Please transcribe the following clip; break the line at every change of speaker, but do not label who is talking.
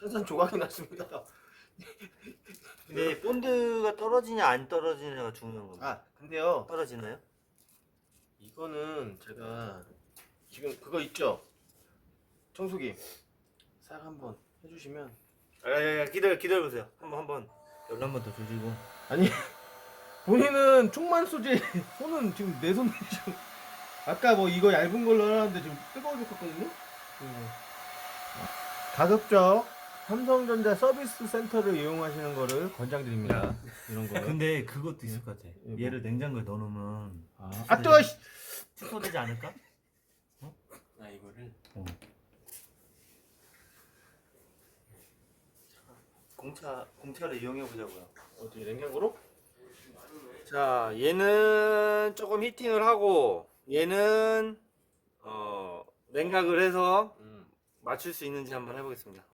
산산 조각이 났습니다.
근데 본드가 떨어지냐 안 떨어지냐가 중요한 겁니다.
아 근데요,
떨어지나요?
이거는 제가 지금 그거 있죠? 청소기 싹 한번 해주시면.
야, 기다려보세요. 한번 열로 한 번 더 조지고.
아니 본인은 총만 쏘지 손은 지금 내 손이 지금 아까 뭐 이거 얇은 걸로 하는데 지금 뜨거워 죽겠거든요. 가급적 삼성전자 서비스 센터를 이용하시는 거를 권장드립니다. 이런 거.
근데 그것도 있을 것 같아.
뭐?
얘를 냉장고에 넣어놓으면
아 뜨거.
축소되지 않을까?
아 이거를
공차를 이용해 보자고요.
어떻게 냉장고로?
자, 얘는 조금 히팅을 하고 얘는 냉각을 해서 맞출 수 있는지 한번 해보겠습니다.